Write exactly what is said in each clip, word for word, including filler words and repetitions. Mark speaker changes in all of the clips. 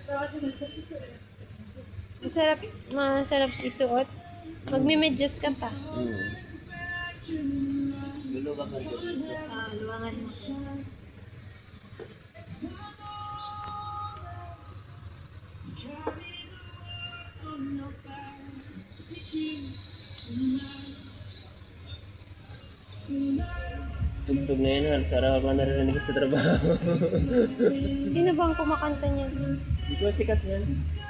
Speaker 1: Masarap, masarap isuot. Magme-medyas ka pa.
Speaker 2: Hmm. Luluwag ang dito.
Speaker 1: Ah, luwangan mo.
Speaker 2: Tugtog na yun, sarap ako narinig sa trabaho.
Speaker 1: Sino bang kumakanta niya?
Speaker 2: Di ko sikat yan.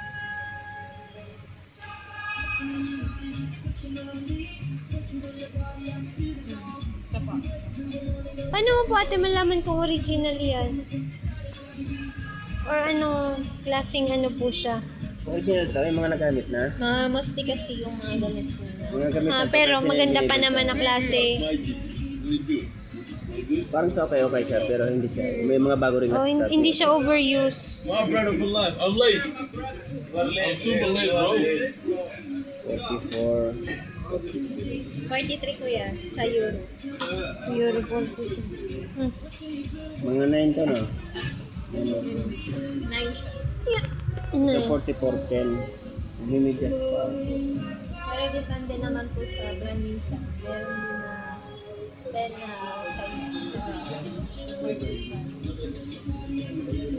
Speaker 1: Paano mo po ate malaman kung original yan? Or ano, klaseng ano po siya?
Speaker 2: Original to, yung mga nagamit na.
Speaker 1: Mga mostly kasi yung mga gamit ko.
Speaker 2: Mga gamit
Speaker 1: Ah,
Speaker 2: na
Speaker 1: pero
Speaker 2: kasi
Speaker 1: maganda pa
Speaker 2: nilibig
Speaker 1: naman
Speaker 2: ko.
Speaker 1: na klase.
Speaker 2: Parang sa okay, okay siya, pero hindi siya. May mga bago rin na
Speaker 1: Oh, hin-
Speaker 2: stock.
Speaker 1: hindi siya overuse.
Speaker 3: My brother for life. I'm late. I'm super late, bro.
Speaker 2: forty-four.
Speaker 1: forty-three kuya, sa euro. Euro forty-three. Hmm.
Speaker 2: Mga nine to, no?
Speaker 1: Nine siya. Yeah.
Speaker 2: So,
Speaker 1: Nine.
Speaker 2: forty-four ten. Limited pa.
Speaker 1: Pero depende naman po sa brand minsan. Meron din na ten na size.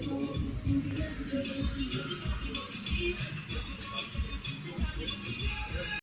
Speaker 1: Uh,